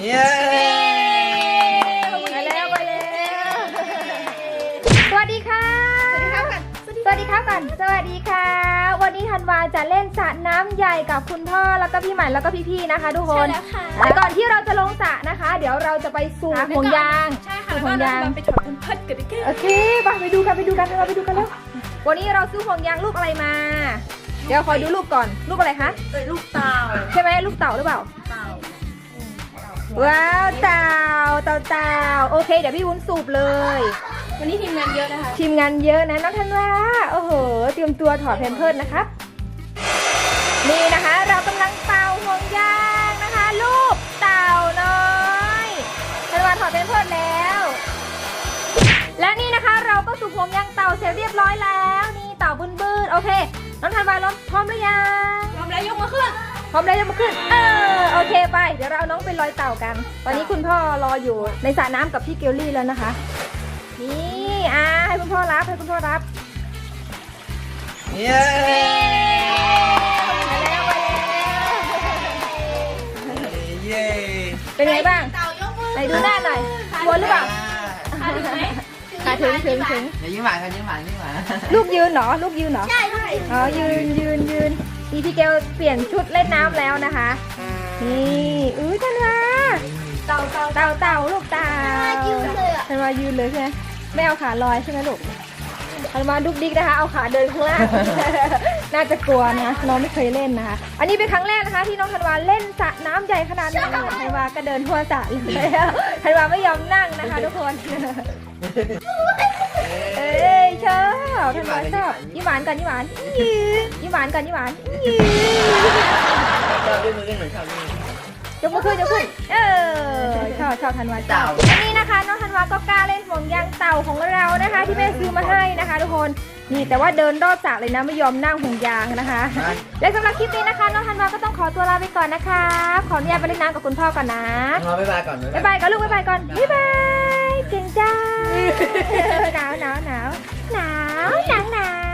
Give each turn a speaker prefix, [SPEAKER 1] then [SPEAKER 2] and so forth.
[SPEAKER 1] เย้
[SPEAKER 2] ไปแล้วสวัสดีค่ะสวัสดีครับก่อนสวัสดีค่ะวันนี้ธันวาจะเล่นสระน้ำใหญ่กับคุณพ่อแล้วก็พี่ใหม่แล้วก็พี่ๆนะคะทุกคนแต่ก่อนที่เราจะลงสระนะคะ เดี๋ยวเราจะไปสูบห่วงยาง
[SPEAKER 3] ใช่ค่ะแล้วก็เราไปถอดเพิ่นกันดิแก
[SPEAKER 2] โอเคไปดูกันแล้ววันนี้เราซื้อห่วงยางลูกอะไรมาเดี๋ยวคอยดูรูปก่อนรูปอะไรคะ
[SPEAKER 3] ลูกเต่า
[SPEAKER 2] ใช่ไหมลูกเต่าหรือเปล่า
[SPEAKER 3] เต่า
[SPEAKER 2] ว้าวเต่าโอเคเดี๋ยวพี่วุ้นสูบเลย
[SPEAKER 3] วันนี้ทีมงานเยอะนะคะ
[SPEAKER 2] ทีมงานเยอะนะน้องธันวาโอ้โหเตรียมตัวถอดแพมเพิร์สนะครับนี่นะคะเรากำลังเป่าห่วงยางนะคะลูกเต่าน้อยธันวาถอดแพมเพิร์สแล้วและนี่นะคะเราก็สูบห่วงยางเต่าเสร็จเรียบร้อยแล้วนี่เต่าบึ้นโอเคน้องธันวาพร้อมหรือยัง
[SPEAKER 3] พร้อมแล้วยกมือขึ้น
[SPEAKER 2] พร้อมแล้วจะมาขึ้นโอเคไปเดี๋ยวเราเอาน้องไปลอยเต่ากันตอนนี้คุณพ่อรออยู่ในสระน้ำกับพี่เกลลี่แล้วนะคะนี่ให้คุณพ่อรับ
[SPEAKER 1] เย้เย้
[SPEAKER 2] เป็นไงบ้าง
[SPEAKER 3] เต่ายกมือ
[SPEAKER 2] ไหนดูหน้าหน่อยกลัวหรือเปล่า
[SPEAKER 3] ขาถึงไหม
[SPEAKER 2] ขาถึง
[SPEAKER 1] อย่ายิ้มหวาน
[SPEAKER 2] ลูกยืนเหรอ
[SPEAKER 3] ใช่
[SPEAKER 2] อ๋อยืนนี่พี่เกลเปลี่ยนชุดเล่นน้ำแล้วนะคะนี่ธันวาเต่าลูกเต่าธันวายืนเลยใช่ไหมไม่เอาขาลอยใช่ไหมลูกธันวาดุกดิกนะคะเอาขาเดินข้างล่าง น่าจะกลัวนะน้องไม่เคยเล่นนะคะอันนี้เป็นครั้งแรกนะคะที่น้องธันวาเล่นสระน้ำใหญ่ขนาดนี้ธันวาก็เดินทั่วสระเลยธันวาไม่ยอมนั่งนะคะทุกคนชอบธันวาชอบยิ้มหวานก่อนยิ้มหวานยิ้มหวานก่อนยิ้มหวาน
[SPEAKER 1] ชอบด้วยมือเหมือนชอบด้วย
[SPEAKER 2] ยกมือขึ้นชอบธันวาเต่าอันนี้นะคะน้องธันวาก็กล้าเล่นห่วงยางเต่าของเรานะคะที่แม่ซื้อมาให้นะคะทุกคนนี่แต่ว่าเดินรอบสระเลยนะไม่ยอมนั่งห่วงยางนะคะและสำหรับคลิปนี้นะคะน้องธันวาก็ต้องขอตัวลาไปก่อนนะคะขออนุญาตไปเล่นน้ำกับคุณพ่อก่อนนะ
[SPEAKER 1] บ๊ายบายก่อน
[SPEAKER 2] บ๊ายบายก่อนลูกบ๊ายบายก่อนบ๊ายบายเก่งจ้าหนาว